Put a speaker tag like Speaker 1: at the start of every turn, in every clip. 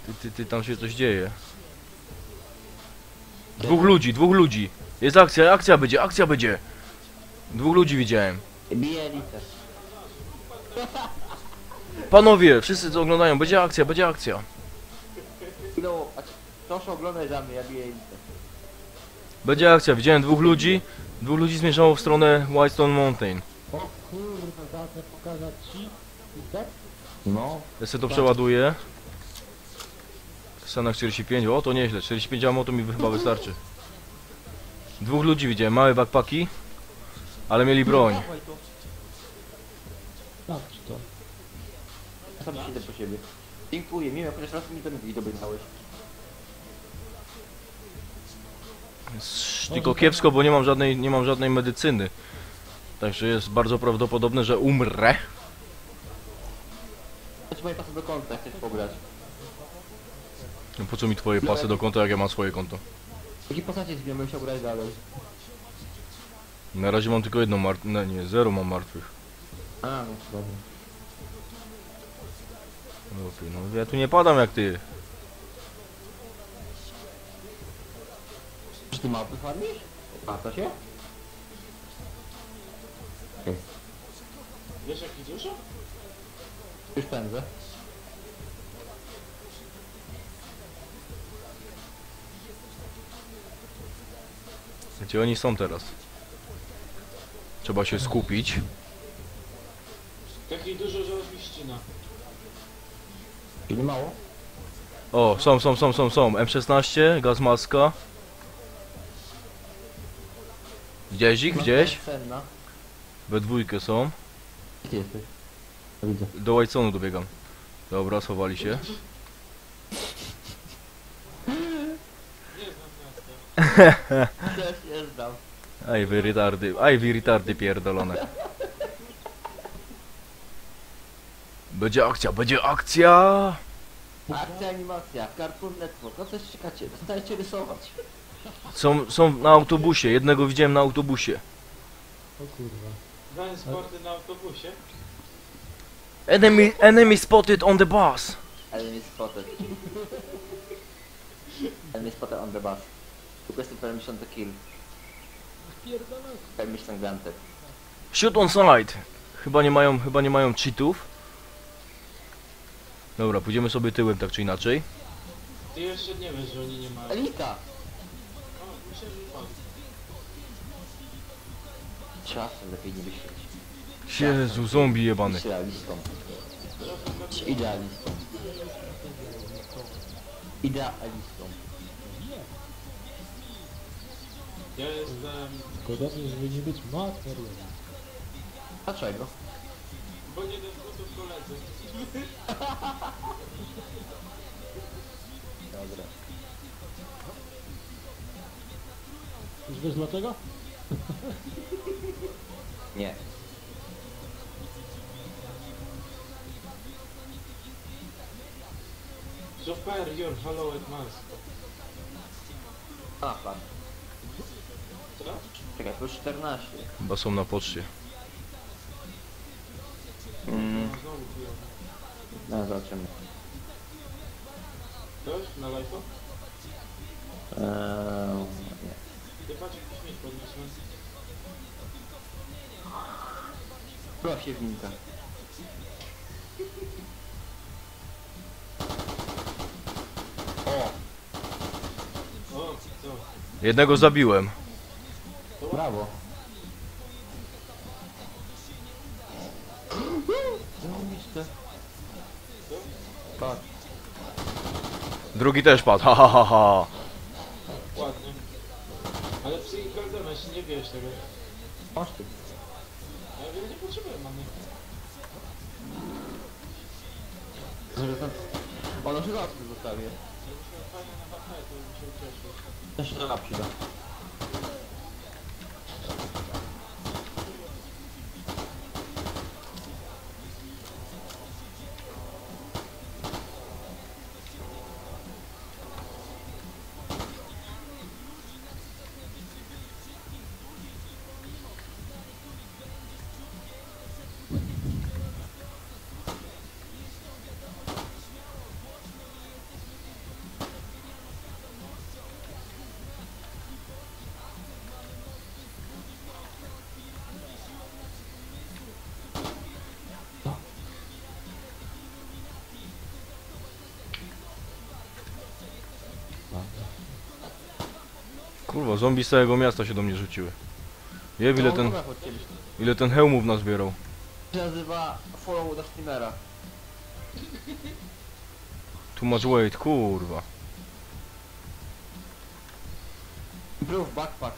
Speaker 1: Tam się coś dzieje. Dwóch ludzi. Jest akcja, akcja będzie. Dwóch ludzi widziałem.
Speaker 2: Bije elitę.
Speaker 1: Panowie, wszyscy co oglądają, będzie akcja.
Speaker 2: No, proszę oglądać za mnie, ja biję elitę.
Speaker 1: Będzie akcja, widziałem dwóch ludzi zmierzało w stronę Whitestone Mountain.
Speaker 3: O kurwa, zacznę pokazać ci. I tak?
Speaker 2: No.
Speaker 1: Ja sobie to przeładuję. Stanach 45, o to nieźle, 45 ammo to mi chyba wystarczy. Dwóch ludzi widziałem, małe backpacki, ale mieli broń.
Speaker 2: Dawaj to.
Speaker 3: Sprawdź to.
Speaker 2: Ja sam idę po siebie. Dziękuję, miałem chociaż raz mi to nie dobrałeś.
Speaker 1: Tylko kiepsko, bo nie mam żadnej medycyny. Także jest bardzo prawdopodobne, że umrę.
Speaker 2: Chodź moje pasy do konta, jak chcesz pograć.
Speaker 1: No po co mi twoje pasy do konta, jak ja mam swoje konto?
Speaker 2: Jaki postacie zmieniam, bym chciał grać dalej.
Speaker 1: Na razie mam tylko jedną no nie, zero mam martwych.
Speaker 2: A, no dobra.
Speaker 1: No ja tu nie padam jak ty.
Speaker 2: Czy ty małpy farmisz? Opłaca się?
Speaker 4: Wiesz jaki dużo?
Speaker 2: Już pędzę.
Speaker 1: Gdzie oni są teraz? Trzeba się skupić.
Speaker 4: Takiej dużo, że aż mi ścina.
Speaker 2: Czyli mało?
Speaker 1: O, są. M16, gaz maska. Widziałeś ich? Gdzieś?
Speaker 2: Cenna.
Speaker 1: We dwójkę są.
Speaker 2: Gdzie ty jesteś? No widzę.
Speaker 1: Do Whitestone'u dobiegam. Dobra, schowali się.
Speaker 4: Nie znam miasta.
Speaker 2: Też nie znam.
Speaker 1: Aj wy retardy pierdolone. Będzie akcja!
Speaker 2: Akcja, animacja, Cartoon Network, no coś czekacie, dostajecie rysować.
Speaker 1: Są na autobusie, jednego widziałem na autobusie.
Speaker 3: O kurwa.
Speaker 4: Grałem sporty na autobusie.
Speaker 1: Enemy spotted on the bus.
Speaker 2: Enemy spotted. Enemy spotted on the bus. Requesting permission to kill.
Speaker 3: Pierdolę.
Speaker 2: Permission granted.
Speaker 1: Shoot on side. Chyba nie mają cheatów. Dobra, pójdziemy sobie tyłem tak czy inaczej.
Speaker 4: Ty jeszcze nie wiesz, że oni nie mają.
Speaker 2: Elita!
Speaker 4: O, myślę, że pan.
Speaker 2: Czasem lepiej nie wyświecić.
Speaker 1: Jezu, zombie jebany.
Speaker 2: Idealistą. Idealistą. Idealistą.
Speaker 4: Ja jestem...
Speaker 3: Podobnie, żeby nie być materialnym.
Speaker 2: Dlaczego?
Speaker 4: Bo nie do butów koledzy.
Speaker 2: Dobra.
Speaker 3: Już wiesz dlaczego?
Speaker 2: Nie.
Speaker 4: Superior Hallowed Mask.
Speaker 2: A, pan.
Speaker 4: Co?
Speaker 2: Czekaj, plus 14.
Speaker 1: Chyba są na poczcie.
Speaker 4: Znowu chujowo.
Speaker 2: No, zobaczymy.
Speaker 4: Ktoś? Na live'u?
Speaker 2: Nie.
Speaker 4: Ty patrz jak śmieć podniosłem.
Speaker 2: Proszę winka. O!
Speaker 4: O, co?
Speaker 1: Jednego zabiłem.
Speaker 2: Brawo. Zarobiste.
Speaker 4: Co?
Speaker 2: Tak.
Speaker 1: Drugi też padł, ha ha ha ha.
Speaker 4: Ładnie. Ale psychikalne, jeszcze nie wiesz tego.
Speaker 2: Masz ty.
Speaker 4: Ja wiem, nie potrzebuję mamy.
Speaker 2: Ono się zawsze zostawię.
Speaker 4: Jakbyśmy fajnie na HP, to bym się ucieszył.
Speaker 2: Też się da przyda.
Speaker 1: Kurwa, zombie z całego miasta się do mnie rzuciły. Jeb, ile ten hełmów nazbierał.
Speaker 2: To się nazywa follow the streamera.
Speaker 1: Too much weight, kurwa.
Speaker 2: Improve backpack.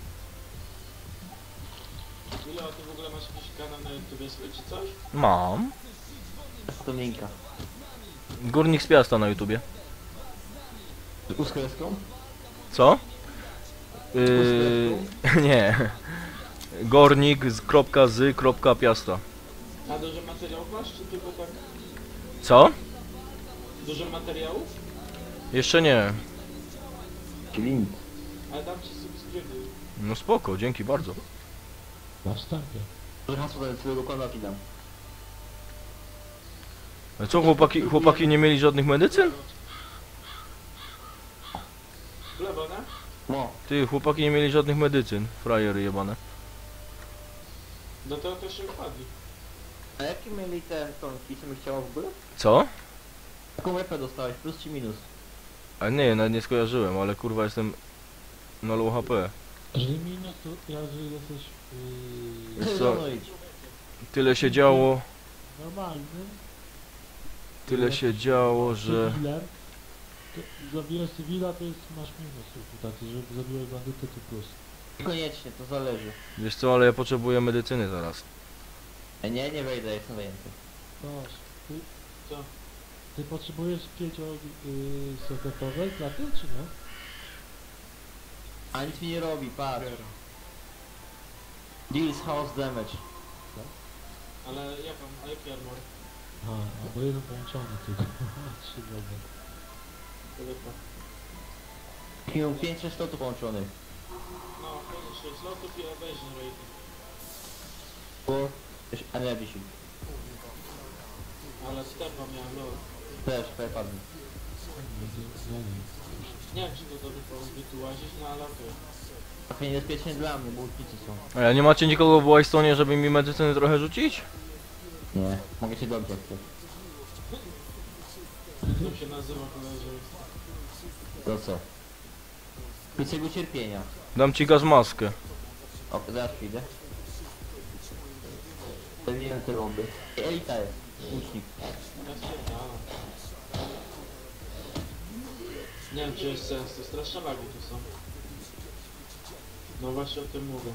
Speaker 4: Ile o ty w ogóle masz jakiś kanał na YouTube swój czy coś?
Speaker 1: Mam.
Speaker 2: To linka.
Speaker 1: Górnik z Piasta na YouTubie.
Speaker 2: Z uskreską?
Speaker 1: Co? Nie. Gornik z kropka z kropka Piasta.
Speaker 4: A dużo materiałów masz, czy tylko tak?
Speaker 1: Co?
Speaker 4: Dużo materiałów?
Speaker 1: Jeszcze nie.
Speaker 2: Link.
Speaker 4: Ale dam ci subskrybuj.
Speaker 1: No spoko, dzięki bardzo.
Speaker 3: Na wstępie.
Speaker 2: Może hasło do swojego konta ci dam.
Speaker 1: A co, chłopaki nie mieli żadnych medycyn?
Speaker 4: W lewo, nie?
Speaker 2: No.
Speaker 1: Ty, chłopaki nie mieli żadnych medycyn. Frajery jebane.
Speaker 4: No to też się upadli.
Speaker 2: A jakie mieli te tonki, co mi chciało w ogóle?
Speaker 1: Co?
Speaker 2: Jaką repę dostałeś, plus czy minus?
Speaker 1: A nie, nawet nie skojarzyłem, ale kurwa jestem na low HP.
Speaker 3: Jeżeli minus, to jeżeli jesteś
Speaker 1: Wiesz co?
Speaker 2: No idź.
Speaker 1: Tyle się działo,
Speaker 3: normalnym,
Speaker 1: że...
Speaker 3: cywilem, to zabijesz cywila, to jest, masz minus reputacji, żeby zabiłeś bandytę, to plus.
Speaker 2: Niekoniecznie, to zależy.
Speaker 1: Wiesz co, ale ja potrzebuję medycyny zaraz.
Speaker 2: Nie wejdę, jestem zajęty.
Speaker 3: Toż, ty...
Speaker 4: Co?
Speaker 3: Ty potrzebujesz 5 sekretowej klaty, czy nie?
Speaker 2: A nic mi nie robi, patrz. Deals house damage.
Speaker 4: Ale jaką, a jaki armor?
Speaker 3: A, albo jeden połączony tylko. 3 drobne.
Speaker 4: To lepa.
Speaker 2: Miał 5 slotów połączonych.
Speaker 4: No, fajnie, 6 lotów i evasion rating.
Speaker 2: Bo... Też energy shield.
Speaker 4: Ale stepa miałem, no.
Speaker 2: Też, padł.
Speaker 4: Nie wiem, czy to dobry pomysł, by tu łazić, no ale okej.
Speaker 2: Trochę niebezpiecznie dla mnie, bo łucznicy są.
Speaker 1: A nie macie nikogo w Whitestone'ie, żeby mi medycyny trochę rzucić?
Speaker 2: Nie, mogę cię dobrze chcesz.
Speaker 4: To się nazywa koledzy.
Speaker 2: To co? Krótkiego cierpienia.
Speaker 1: Dam ci gaz maskę.
Speaker 2: O, zaraz przyjdę. Zawijam te bomby. Elita jest. Łucznik.
Speaker 4: Ja spierdalam. Nie wiem, czy jest sens, to straszne lagi tu są. No właśnie o tym mówię.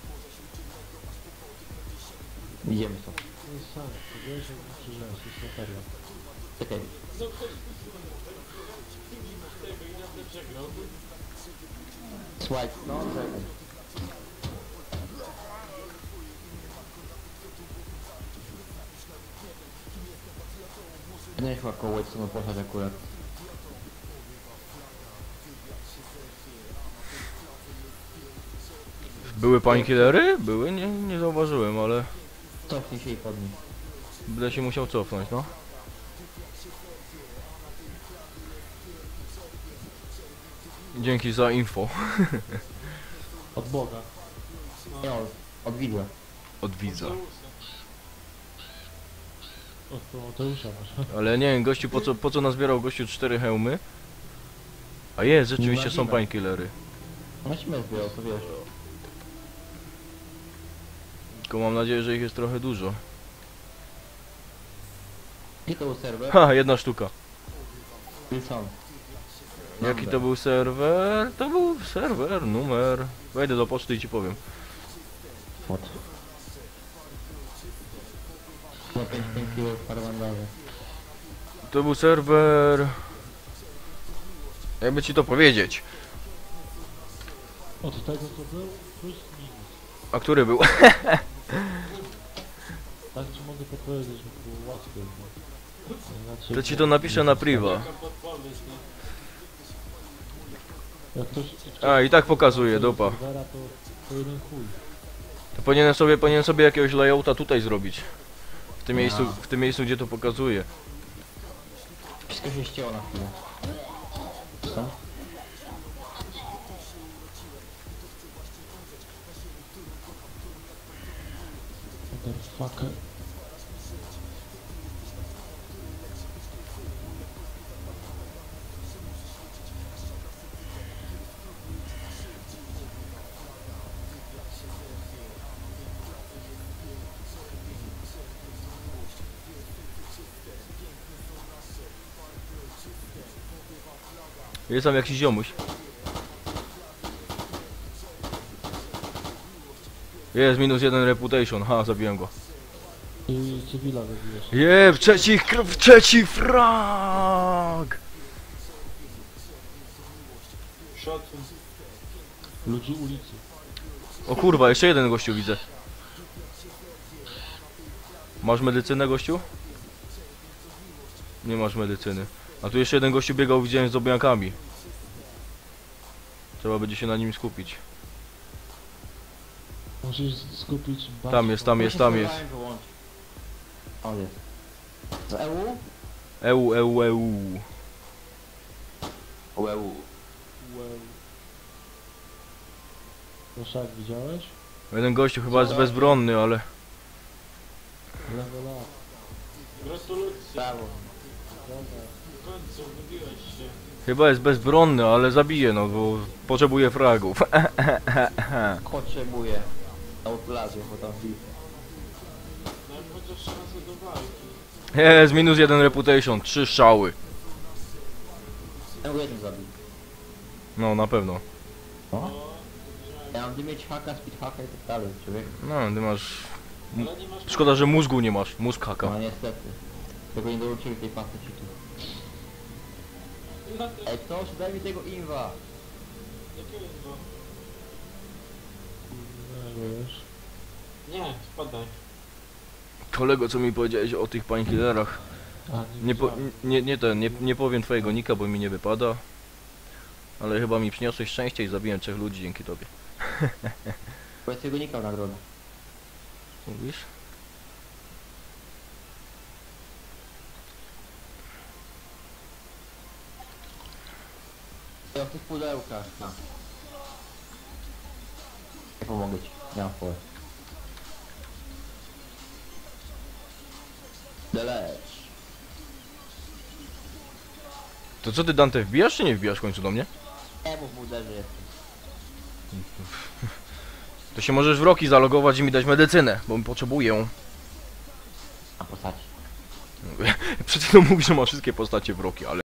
Speaker 2: Idziemy to.
Speaker 3: To jest sam, to wiesz, jak mi przyrzesz, to jest materiał.
Speaker 2: Czekaj.
Speaker 4: No tego i na tym przegrał.
Speaker 2: Słuchaj, no czekaj. Nie chyba koło co poszedł akurat.
Speaker 1: Były painkillery? Były? Nie zauważyłem, ale...
Speaker 2: Cofnij się i podnieś.
Speaker 1: Będę się musiał cofnąć, no. Dzięki za info.
Speaker 3: Od Boga.
Speaker 2: Nie, od widła.
Speaker 1: Od widza.
Speaker 3: Od Promoteusza masz.
Speaker 1: Ale nie wiem, gościu, po co nazbierał gościu 4 hełmy? A jest, rzeczywiście są painkillery.
Speaker 2: No śmiech zbierał, to wiesz.
Speaker 1: Tylko mam nadzieję, że ich jest trochę dużo.
Speaker 2: Gdzie to był serwer?
Speaker 1: Ha, jedna sztuka.
Speaker 2: Wilson.
Speaker 1: Jaki to był serwer? To był serwer, numer. Wejdę do poczty i ci powiem.
Speaker 2: What? Na 5 kg parę mandawy.
Speaker 1: To był serwer... Jakby ci to powiedzieć.
Speaker 3: Od tego co był, plus minus.
Speaker 1: A który był?
Speaker 3: Tak ci mogę podpowiedzieć, żeby było łatwiej. Bo inaczej
Speaker 1: To ci to napiszę na priwa.
Speaker 4: Jaka podpowiedź, nie?
Speaker 3: Jak ktoś...
Speaker 1: A, i tak pokazuje, dupa.
Speaker 3: serwera, to jeden chuj.
Speaker 1: To powinien sobie jakiegoś layouta tutaj zrobić. W tym miejscu, gdzie to pokazuje.
Speaker 2: Wszystko się ścięło na chwilę. Co?
Speaker 3: Motherfucker.
Speaker 1: Jest tam jakiś ziomuś. Jest -1 reputation, ha, zabiłem go.
Speaker 3: I cywila zabijesz.
Speaker 1: Jeb, trzeci frag!
Speaker 4: Szacun.
Speaker 3: Ludzi ulicy.
Speaker 1: O kurwa, jeszcze jeden gościu widzę. Masz medycynę, gościu? Nie masz medycyny. A tu jeszcze jeden gościu biegał, widziałem z obiankami. Trzeba będzie się na nim skupić.
Speaker 3: Musisz skupić
Speaker 1: Tam jest, tam jest, tam jest.
Speaker 2: O, jest. To EU?
Speaker 1: EU.
Speaker 2: O, EU.
Speaker 3: Wow. Proszak, widziałeś?
Speaker 1: Jeden gościu chyba jest bezbronny, ale...
Speaker 3: Level up.
Speaker 4: Gratulacje.
Speaker 2: Brawo.
Speaker 3: Dobra.
Speaker 4: W końcu wybiłeś się.
Speaker 1: Chyba jest bezbronny, ale zabije, no bo potrzebuje fragów.
Speaker 2: Potrzebuję. Outlazję, bo tam wbij.
Speaker 4: No jak chociaż szansę do walki.
Speaker 1: Jest -1 reputation, 3 strzały.
Speaker 2: EU1 zabił.
Speaker 1: No, na pewno.
Speaker 2: O?
Speaker 4: O,
Speaker 2: Ja mam mieć haka, speed haka i tak dalej, człowiek.
Speaker 1: No, ty masz...
Speaker 4: ale nie masz...
Speaker 1: Szkoda, że mózgu nie masz, mózg haka.
Speaker 2: No niestety. Tego nie dołączyli tej pasy cheatu.
Speaker 4: Na te...
Speaker 2: Ej, ktoś daj mi tego inwa.
Speaker 4: Jakiego inno?
Speaker 3: Nie wiesz.
Speaker 4: Nie, spadaj.
Speaker 1: Kolego, co mi powiedziałeś o tych painkillerach?
Speaker 3: A,
Speaker 1: Nie powiem twojego nika, bo mi nie wypada. Ale chyba mi przyniosłeś szczęście i zabiłem 3 ludzi dzięki tobie.
Speaker 2: Bo ja tego nikał nagrodę.
Speaker 1: Mówisz?
Speaker 2: Ja w tych pudełkach. No. Nie pomogę ci. Nie mam pole. Deleć.
Speaker 1: To co ty, Dante, wbijasz czy nie wbijasz w końcu do mnie?
Speaker 2: Nie mów mu, że jestem.
Speaker 1: To się możesz w Roki zalogować i mi dać medycynę, bo potrzebuję.
Speaker 2: A postaci.
Speaker 1: Przed chwilą mówisz, że ma wszystkie postacie w Roki, ale...